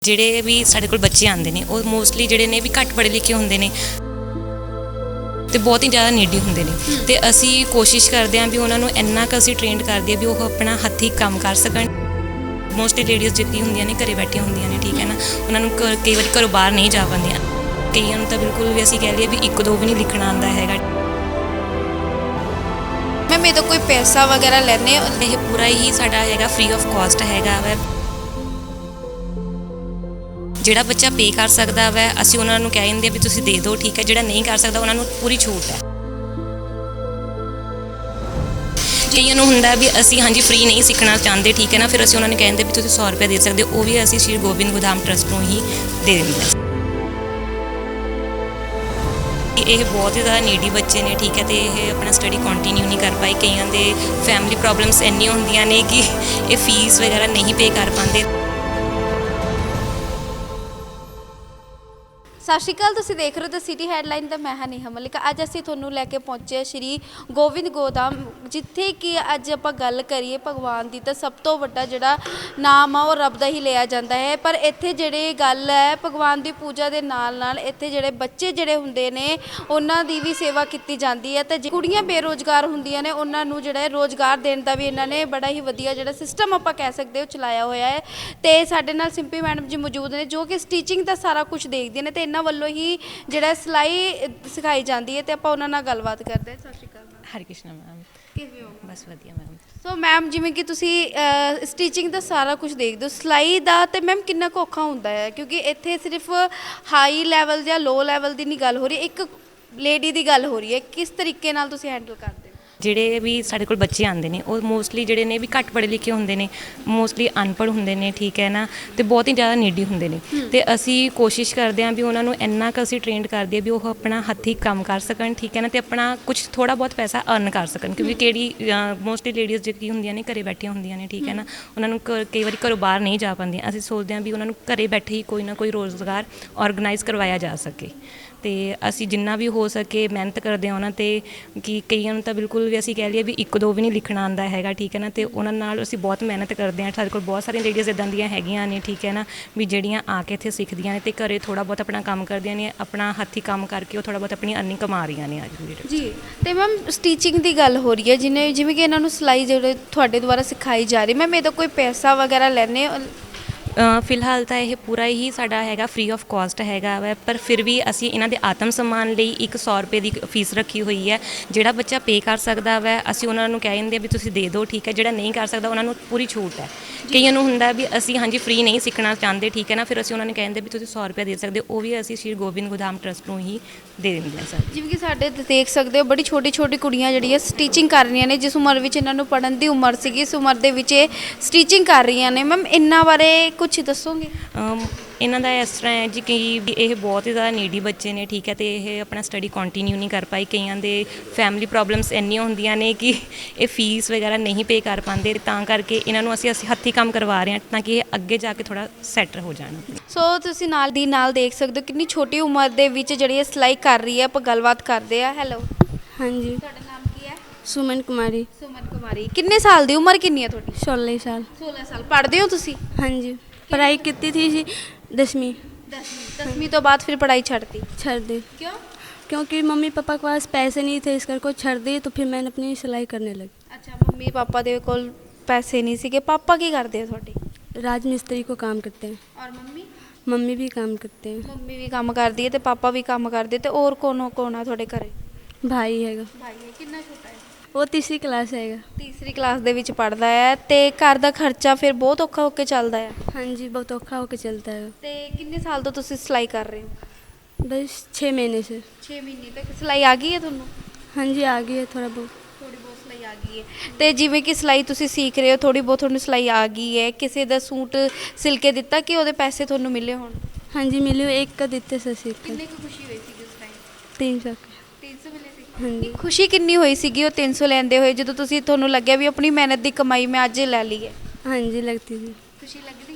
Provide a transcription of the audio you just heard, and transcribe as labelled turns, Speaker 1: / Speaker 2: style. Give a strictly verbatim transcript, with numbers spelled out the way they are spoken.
Speaker 1: ਜਿਹੜੇ ਵੀ ਸਾਡੇ ਕੋਲ ਬੱਚੇ ਆਉਂਦੇ ਨੇ ਉਹ ਮੋਸਟਲੀ ਜਿਹੜੇ ਨੇ ਵੀ ਘੱਟ ਪੜ੍ਹੇ ਲਿਖੇ ਹੁੰਦੇ ਨੇ ਤੇ ਬਹੁਤ ਹੀ ਜ਼ਿਆਦਾ ਨੀਡੀ ਹੁੰਦੇ ਨੇ ਤੇ ਅਸੀਂ ਕੋਸ਼ਿਸ਼ ਕਰਦੇ ਹਾਂ ਵੀ ਉਹਨਾਂ ਨੂੰ ਇੰਨਾ ਕੁ ਅਸੀਂ ਟ੍ਰੇਨਡ ਕਰਦੇ ਹਾਂ ਵੀ ਉਹ ਆਪਣਾ ਹੱਥੀਂ ਕੰਮ ਕਰ ਸਕਣ। ਮੋਸਟਲੀ ਲੇਡੀਜ਼ ਜਿੱਤੀ ਹੁੰਦੀਆਂ ਨੇ ਘਰੇ ਬੈਠੀਆਂ ਹੁੰਦੀਆਂ ਨੇ, ਠੀਕ ਹੈ ਨਾ, ਉਹਨਾਂ ਨੂੰ ਘ- ਕਈ ਵਾਰੀ ਘਰੋਂ ਬਾਹਰ ਨਹੀਂ ਜਾ ਪਾਉਂਦੀਆਂ। ਕਈਆਂ ਨੂੰ ਤਾਂ ਬਿਲਕੁਲ ਵੀ ਅਸੀਂ ਕਹਿ ਲਈਏ ਵੀ ਇੱਕ ਦੋ ਵੀ ਨਹੀਂ ਲਿਖਣਾ ਆਉਂਦਾ ਹੈਗਾ।
Speaker 2: ਮੈਂ ਮੇਰੇ ਤੋਂ ਕੋਈ ਪੈਸਾ ਵਗੈਰਾ ਲੈਣੇ
Speaker 1: ਇਹ ਪੂਰਾ ਹੀ ਸਾਡਾ ਹੈਗਾ ਫ੍ਰੀ ਆਫ ਕਾਸਟ ਹੈਗਾ ਵੈ। ਜਿਹੜਾ ਬੱਚਾ ਪੇ ਕਰ ਸਕਦਾ ਵੈ ਅਸੀਂ ਉਹਨਾਂ ਨੂੰ ਕਹਿ ਦਿੰਦੇ ਵੀ ਤੁਸੀਂ ਦੇ ਦਿਓ, ਠੀਕ ਹੈ। ਜਿਹੜਾ ਨਹੀਂ ਕਰ ਸਕਦਾ ਉਹਨਾਂ ਨੂੰ ਪੂਰੀ ਛੂਟ ਹੈ। ਕਈਆਂ ਨੂੰ ਹੁੰਦਾ ਵੀ ਅਸੀਂ ਹਾਂਜੀ ਫ੍ਰੀ ਨਹੀਂ ਸਿੱਖਣਾ ਚਾਹੁੰਦੇ, ਠੀਕ ਹੈ ਨਾ, ਫਿਰ ਅਸੀਂ ਉਹਨਾਂ ਨੂੰ ਕਹਿ ਦਿੰਦੇ ਵੀ ਤੁਸੀਂ ਸੌ ਰੁਪਏ ਦੇ ਸਕਦੇ ਹੋ, ਉਹ ਵੀ ਅਸੀਂ ਸ਼੍ਰੀ ਗੋਬਿੰਦ ਗੋਦਾਮ ਟਰਸਟ ਨੂੰ ਹੀ ਦੇ ਦਿੰਦੇ ਹਾਂ। ਇਹ ਬਹੁਤ ਹੀ ਜ਼ਿਆਦਾ ਨੀਡੀ ਬੱਚੇ ਨੇ, ਠੀਕ ਹੈ, ਤੇ ਇਹ ਆਪਣਾ ਸਟੱਡੀ ਕੰਟੀਨਿਊ ਨਹੀਂ ਕਰ ਪਾਏ। ਕਈਆਂ ਦੇ ਫੈਮਿਲੀ ਪ੍ਰੋਬਲਮਸ ਇੰਨੀਆਂ ਹੁੰਦੀਆਂ ਨੇ ਕਿ ਇਹ ਫੀਸ ਵਗੈਰਾ ਨਹੀਂ ਪੇ ਕਰ ਪਾਉਂਦੇ।
Speaker 2: ਸਤਿ ਸ਼੍ਰੀ ਅਕਾਲ, ਤੁਸੀਂ ਦੇਖ ਰਹੇ ਹੋ ਦ ਸਿਟੀ ਹੈਡਲਾਈਨ ਦਾ। ਮੈਂ ਹਾਂ ਨੇਹਾ ਮਲਿਕ। ਅੱਜ ਅਸੀਂ ਤੁਹਾਨੂੰ ਲੈ ਕੇ ਪਹੁੰਚੇ ਸ਼੍ਰੀ ਗੋਬਿੰਦ ਗੋਦਾਮ, ਜਿੱਥੇ ਕਿ ਅੱਜ ਆਪਾਂ ਗੱਲ ਕਰੀਏ ਭਗਵਾਨ ਦੀ ਤਾਂ ਸਭ ਤੋਂ ਵੱਡਾ ਜਿਹੜਾ ਨਾਮ ਆ ਉਹ ਰੱਬ ਦਾ ਹੀ ਲਿਆ ਜਾਂਦਾ ਹੈ। ਪਰ ਇੱਥੇ ਜਿਹੜੀ ਗੱਲ ਹੈ ਭਗਵਾਨ ਦੀ ਪੂਜਾ ਦੇ ਨਾਲ ਨਾਲ ਇੱਥੇ ਜਿਹੜੇ ਬੱਚੇ ਜਿਹੜੇ ਹੁੰਦੇ ਨੇ ਉਹਨਾਂ ਦੀ ਵੀ ਸੇਵਾ ਕੀਤੀ ਜਾਂਦੀ ਹੈ। ਤੇ ਕੁੜੀਆਂ ਬੇਰੁਜ਼ਗਾਰ ਹੁੰਦੀਆਂ ਨੇ ਉਹਨਾਂ ਨੂੰ ਜਿਹੜਾ ਰੋਜ਼ਗਾਰ ਦੇਣ ਦਾ ਵੀ ਇਹਨਾਂ ਨੇ ਬੜਾ ਹੀ ਵਧੀਆ ਜਿਹੜਾ ਸਿਸਟਮ ਆਪਾਂ ਕਹਿ ਸਕਦੇ ਹੋ ਚਲਾਇਆ ਹੋਇਆ ਹੈ। ਤੇ ਸਾਡੇ ਨਾਲ ਸਿੰਪੀ ਮੈਡਮ ਜੀ ਮੌਜੂਦ ਨੇ ਜੋ ਕਿ ਸਟੀਚਿੰਗ ਦਾ ਸਾਰਾ ਕੁਝ ਦੇਖਦੇ ਨੇ ਤੇ ਇਹਨਾਂ ਵੱਲੋਂ ਹੀ ਜਿਹੜਾ ਸਿਲਾਈ ਸਿਖਾਈ ਜਾਂਦੀ ਹੈ। ਤੇ ਆਪਾਂ ਉਹਨਾਂ ਨਾਲ ਗੱਲਬਾਤ ਕਰਦੇ ਹਾਂ। ਸਤਿ ਸ਼੍ਰੀ ਅਕਾਲ ਮੈਮ।
Speaker 1: ਹਰੀ ਕ੍ਰਿਸ਼ਨ ਮੈਮ।
Speaker 2: ਕਿਵੇਂ ਹੋ?
Speaker 1: ਬਸ ਵਧੀਆ ਮੈਮ।
Speaker 2: ਸੋ ਮੈਮ, ਜਿਵੇਂ ਕਿ ਤੁਸੀਂ ਸਟੀਚਿੰਗ ਦਾ ਸਾਰਾ ਕੁਝ ਦੇਖਦੇ ਹੋ, ਸਿਲਾਈ ਦਾ ਤੇ ਮੈਮ ਕਿੰਨਾ ਕੁ ਔਖਾ ਹੁੰਦਾ ਹੈ? ਕਿਉਂਕਿ ਇੱਥੇ ਸਿਰਫ ਹਾਈ ਲੈਵਲ ਜਾਂ ਲੋ ਲੈਵਲ ਦੀ ਨਹੀਂ ਗੱਲ ਹੋ ਰਹੀ, ਇੱਕ ਲੇਡੀ ਦੀ ਗੱਲ ਹੋ ਰਹੀ ਹੈ। ਕਿਸ ਤਰੀਕੇ ਨਾਲ ਤੁਸੀਂ ਹੈਂਡਲ ਕਰਦੇ ਹੋ?
Speaker 1: ਜਿਹੜੇ ਵੀ ਸਾਡੇ ਕੋਲ ਬੱਚੇ ਆਉਂਦੇ ਨੇ ਉਹ ਮੋਸਟਲੀ ਜਿਹੜੇ ਨੇ ਵੀ ਘੱਟ ਪੜ੍ਹੇ ਲਿਖੇ ਹੁੰਦੇ ਨੇ, ਮੋਸਟਲੀ ਅਨਪੜ੍ਹ ਹੁੰਦੇ ਨੇ, ਠੀਕ ਹੈ ਨਾ, ਤੇ ਬਹੁਤ ਹੀ ਜ਼ਿਆਦਾ ਨੀਡੀ ਹੁੰਦੇ ਨੇ ਤੇ ਅਸੀਂ ਕੋਸ਼ਿਸ਼ ਕਰਦੇ ਹਾਂ ਵੀ ਉਹਨਾਂ ਨੂੰ ਇੰਨਾ ਕੁ ਅਸੀਂ ਟ੍ਰੇਨਡ ਕਰਦੇ ਹਾਂ ਵੀ ਉਹ ਆਪਣਾ ਹੱਥੀਂ ਕੰਮ ਕਰ ਸਕਣ, ਠੀਕ ਹੈ ਨਾ, ਤੇ ਆਪਣਾ ਕੁਝ ਥੋੜ੍ਹਾ ਬਹੁਤ ਪੈਸਾ ਅਰਨ ਕਰ ਸਕਣ। ਕਿਉਂਕਿ ਕਿਹੜੀ ਮੋਸਟਲੀ ਲੇਡੀਜ਼ ਜਿਹੜੀ ਹੁੰਦੀਆਂ ਨੇ ਘਰੇ ਬੈਠੀਆਂ ਹੁੰਦੀਆਂ ਨੇ, ਠੀਕ ਹੈ ਨਾ, ਉਹਨਾਂ ਨੂੰ ਘ- ਕਈ ਵਾਰੀ ਘਰੋਂ ਬਾਹਰ ਨਹੀਂ ਜਾ ਪਾਉਂਦੀਆਂ। ਅਸੀਂ ਸੋਚਦੇ ਹਾਂ ਵੀ ਉਹਨਾਂ ਨੂੰ ਘਰੇ ਬੈਠੇ ਹੀ ਕੋਈ ਨਾ ਕੋਈ ਰੋਜ਼ਗਾਰ ਔਰਗਨਾਈਜ਼ ਕਰਵਾਇਆ ਜਾ ਸਕੇ ਤੇ ਅਸੀਂ ਜਿੰਨਾ ਵੀ ਹੋ ਸਕੇ ਮਿਹਨਤ ਕਰਦੇ ਹਾਂ ਉਹਨਾਂ 'ਤੇ। ਕਿ ਕਈਆਂ ਨੂੰ ਤਾਂ ਬਿਲਕੁਲ ਵੀ ਅਸੀਂ ਕਹਿ ਲਈਏ ਵੀ ਇੱਕ ਦੋ ਵੀ ਨਹੀਂ ਲਿਖਣਾ ਆਉਂਦਾ ਹੈਗਾ, ਠੀਕ ਹੈ ਨਾ, ਤੇ ਉਹਨਾਂ ਨਾਲ ਅਸੀਂ ਬਹੁਤ ਮਿਹਨਤ ਕਰਦੇ ਹਾਂ। ਸਾਡੇ ਕੋਲ ਬਹੁਤ ਸਾਰੀਆਂ ਲੇਡੀਜ਼ ਇੱਦਾਂ ਦੀਆਂ ਹੈਗੀਆਂ ਨੇ, ਠੀਕ ਹੈ ਨਾ, ਵੀ ਜਿਹੜੀਆਂ ਆ ਕੇ ਇੱਥੇ ਸਿੱਖਦੀਆਂ ਨੇ ਤੇ ਘਰੇ ਥੋੜ੍ਹਾ ਬਹੁਤ ਆਪਣਾ ਕੰਮ ਕਰਦੀਆਂ ਨੇ, ਆਪਣਾ ਹੱਥੀਂ ਕੰਮ ਕਰਕੇ ਉਹ ਥੋੜ੍ਹਾ ਬਹੁਤ ਆਪਣੀ ਅਰਨਿੰਗ ਕਮਾ ਰਹੀਆਂ ਨੇ ਅੱਜ ਦੀ ਡੇਟ 'ਚ।
Speaker 2: ਜੀ, ਤੇ ਮੈਮ ਸਟੀਚਿੰਗ ਦੀ ਗੱਲ ਹੋ ਰਹੀ ਹੈ, ਜਿਵੇਂ ਜਿਵੇਂ ਕਿ ਇਹਨਾਂ ਨੂੰ ਸਿਲਾਈ ਜਿਹੜੇ ਤੁਹਾਡੇ ਦੁਆਰਾ ਸਿਖਾਈ ਜਾ ਰਹੀ, ਮੈਮ ਇਹਦਾ ਕੋਈ ਪੈਸਾ ਵਗੈਰਾ ਲੈਣੇ?
Speaker 1: ਫਿਲਹਾਲ ਤਾਂ ਇਹ ਪੂਰਾ ਹੀ ਸਾਡਾ ਹੈਗਾ ਫ੍ਰੀ ਆਫ ਕਾਸਟ ਹੈਗਾ ਵੈ, ਪਰ ਫਿਰ ਵੀ ਅਸੀਂ ਇਹਨਾਂ ਦੇ ਆਤਮ ਸਨਮਾਨ ਲਈ ਇੱਕ ਸੌ ਰੁਪਏ ਦੀ ਫੀਸ ਰੱਖੀ ਹੋਈ ਹੈ। ਜਿਹੜਾ ਬੱਚਾ ਪੇ ਕਰ ਸਕਦਾ ਵੈ ਅਸੀਂ ਉਹਨਾਂ ਨੂੰ ਕਹਿ ਦਿੰਦੇ ਵੀ ਤੁਸੀਂ ਦੇ ਦਿਓ, ਠੀਕ ਹੈ। ਜਿਹੜਾ ਨਹੀਂ ਕਰ ਸਕਦਾ ਉਹਨਾਂ ਨੂੰ ਪੂਰੀ ਛੂਟ ਹੈ। ਕਈਆਂ ਨੂੰ ਹੁੰਦਾ ਵੀ ਅਸੀਂ ਹਾਂਜੀ ਫ੍ਰੀ ਨਹੀਂ ਸਿੱਖਣਾ ਚਾਹੁੰਦੇ, ਠੀਕ ਹੈ ਨਾ, ਫਿਰ ਅਸੀਂ ਉਹਨਾਂ ਨੂੰ ਕਹਿ ਦਿੰਦੇ ਵੀ ਤੁਸੀਂ ਸੌ ਰੁਪਏ ਦੇ ਸਕਦੇ ਹੋ, ਉਹ ਵੀ ਅਸੀਂ ਸ਼੍ਰੀ ਗੋਬਿੰਦ ਗੋਦਾਮ ਟਰਸਟ ਨੂੰ ਹੀ ਦੇ ਦਿੰਦੇ ਹਾਂ ਸਰ।
Speaker 2: ਜਿਵੇਂ ਕਿ ਸਾਡੇ ਦੇਖ ਸਕਦੇ ਹੋ ਬੜੀ ਛੋਟੀ ਛੋਟੀ ਕੁੜੀਆਂ ਜਿਹੜੀਆਂ ਸਟੀਚਿੰਗ ਕਰ ਰਹੀਆਂ ਨੇ, ਜਿਸ ਉਮਰ ਵਿੱਚ ਇਹਨਾਂ ਨੂੰ ਪੜ੍ਹਨ ਦੀ ਉਮਰ ਸੀਗੀ ਇਸ ਉਮਰ ਦੇ ਵਿੱਚ ਇਹ ਸਟੀਚਿੰਗ ਕਰ ਰਹੀਆਂ ਨੇ। ਮੈਮ ਇਹਨਾਂ ਬਾਰੇ ਕੁਝ ਦੱਸੋਗੇ?
Speaker 1: ਇਹਨਾਂ ਦਾ ਇਸ ਤਰ੍ਹਾਂ ਹੈ ਜੀ ਕਿ ਇਹ ਬਹੁਤ ਹੀ ਜ਼ਿਆਦਾ ਨੀਡੀ ਬੱਚੇ ਨੇ, ਠੀਕ ਹੈ, ਤੇ ਇਹ ਆਪਣਾ ਸਟੱਡੀ ਕੰਟੀਨਿਊ ਨਹੀਂ ਕਰ ਪਾਏ। ਕਈਆਂ ਦੇ ਫੈਮਿਲੀ ਪ੍ਰੋਬਲਮਸ ਇੰਨੀਆਂ ਹੁੰਦੀਆਂ ਨੇ ਕਿ ਇਹ ਫੀਸ ਵਗੈਰਾ ਨਹੀਂ ਪੇ ਕਰ ਪਾਉਂਦੇ, ਤਾਂ ਕਰਕੇ ਇਹਨਾਂ ਨੂੰ ਅਸੀਂ ਅਸੀਂ ਹੱਥੀਂ ਕੰਮ ਕਰਵਾ ਰਹੇ ਹਾਂ ਤਾਂ ਕਿ ਇਹ ਅੱਗੇ ਜਾ ਕੇ ਥੋੜ੍ਹਾ ਸੈਟ ਹੋ ਜਾਣ।
Speaker 2: ਸੋ ਤੁਸੀਂ ਨਾਲ ਦੀ ਨਾਲ ਦੇਖ ਸਕਦੇ ਹੋ ਕਿੰਨੀ ਛੋਟੀ ਉਮਰ ਦੇ ਵਿੱਚ ਜਿਹੜੀ ਇਹ ਸਿਲਾਈ ਕਰ ਰਹੀ ਹੈ। ਆਪਾਂ ਗੱਲਬਾਤ ਕਰਦੇ ਆ। ਹੈਲੋ,
Speaker 3: ਹਾਂਜੀ,
Speaker 2: ਤੁਹਾਡਾ ਨਾਮ ਕੀ ਹੈ?
Speaker 3: ਸੁਮਨ ਕੁਮਾਰੀ।
Speaker 2: ਸੁਮਨ ਕੁਮਾਰੀ। ਕਿੰਨੇ ਸਾਲ ਦੀ ਉਮਰ ਕਿੰਨੀ ਹੈ ਤੁਹਾਡੀ?
Speaker 3: सोलह साल।
Speaker 2: ਸੋਲ੍ਹਾਂ ਸਾਲ। ਪੜ੍ਹਦੇ ਹੋ ਤੁਸੀਂ?
Speaker 3: हाँ जी, पढ़ाई की थी जी दसवीं,
Speaker 2: ਦਸਵੀਂ। ਦਸਵੀਂ ਤੋਂ ਬਾਅਦ ਫਿਰ ਪੜ੍ਹਾਈ ਛੱਡਤੀ
Speaker 3: छोड़ दी
Speaker 2: ਕਿਉਂ?
Speaker 3: क्योंकि मम्मी पापा के पास पैसे नहीं थे, इस करके छोड़ दी। तो फिर मैंने अपनी सिलाई करने लगी।
Speaker 2: ਅੱਛਾ, ਮੰਮੀ ਪਾਪਾ ਦੇ ਕੋਲ ਪੈਸੇ ਨਹੀਂ ਸੀਗੇ। ਪਾਪਾ ਕੀ ਕਰਦੇ ਆ ਤੁਹਾਡੇ?
Speaker 3: राजमिस्त्री को काम करते हैं।
Speaker 2: ਔਰ ਮੰਮੀ?
Speaker 3: मम्मी भी काम करते हैं।
Speaker 2: ਮੰਮੀ ਵੀ ਕੰਮ ਕਰਦੀ ਹੈ ਤੇ ਪਾਪਾ ਵੀ ਕੰਮ ਕਰਦੇ। ਤੇ ਹੋਰ ਕੌਣ ਕੌਣ ਆ ਤੁਹਾਡੇ ਘਰੇ?
Speaker 3: भाई हैगा,
Speaker 2: ਭਾਈ ਹੈ। ਕਿੰਨਾ ਛੋਟਾ ਹੈ?
Speaker 3: वो तीसरी क्लास हैगा।
Speaker 2: ਤੀਸਰੀ ਕਲਾਸ ਦੇ ਵਿੱਚ ਪੜ੍ਹਦਾ ਹੈ। ਤੇ ਘਰ ਦਾ ਖਰਚਾ ਫਿਰ ਬਹੁਤ ਔਖਾ ਹੋ ਕੇ ਚੱਲਦਾ ਹੈ।
Speaker 3: हाँ जी, बहुत औखा होकर चलता है।
Speaker 2: ਤੇ ਕਿੰਨੇ ਸਾਲ ਤੋਂ ਤੁਸੀਂ ਸਿਲਾਈ ਕਰ ਰਹੇ ਹੋ?
Speaker 3: बस छः महीने से।
Speaker 2: ਛੇ ਮਹੀਨੇ ਤੱਕ ਸਿਲਾਈ ਆ ਗਈ ਹੈ ਤੁਹਾਨੂੰ?
Speaker 3: हाँ जी, आ गई है थोड़ा बहुत।
Speaker 2: ਥੋੜੀ ਬਹੁਤ ਸਿਲਾਈ ਆ ਗਈ ਹੈ। ਤੇ ਜਿਵੇਂ ਕਿ ਸਿਲਾਈ ਤੁਸੀਂ ਸਿੱਖ ਰਹੇ ਹੋ, ਥੋੜੀ ਬਹੁਤ ਤੁਹਾਨੂੰ ਸਿਲਾਈ ਆ ਗਈ ਹੈ, ਕਿਸੇ ਦਾ ਸੂਟ ਸਿਲ ਕੇ ਦਿੱਤਾ ਕਿ ਉਹਦੇ ਪੈਸੇ ਤੁਹਾਨੂੰ ਮਿਲੇ ਹੋਣ?
Speaker 3: हाँ जी, मिली हुई एक का देते से सीख
Speaker 2: ਕਿੰਨੇ ਕੁ ਖੁਸ਼ੀ ਹੋਈ ਸੀ ਉਸ ਟਾਈਮ?
Speaker 3: तीन सौ के।
Speaker 2: ਤਿੰਨ ਸੌ ਮਿਲੇ ਸੀ।
Speaker 3: हाँ जी,
Speaker 2: ਖੁਸ਼ੀ ਕਿੰਨੀ ਹੋਈ ਸੀਗੀ ਉਹ ਤਿੰਨ ਸੌ ਲੈਂਦੇ ਹੋਏ ਜਦੋਂ ਤੁਸੀਂ ਤੁਹਾਨੂੰ ਲੱਗਿਆ ਵੀ ਆਪਣੀ ਮਿਹਨਤ ਦੀ ਕਮਾਈ ਮੈਂ ਅੱਜ ਲੈ ਲਈ ਹੈ?
Speaker 3: हाँ जी, लगती थी।
Speaker 2: ਖੁਸ਼ੀ ਲੱਗਦੀ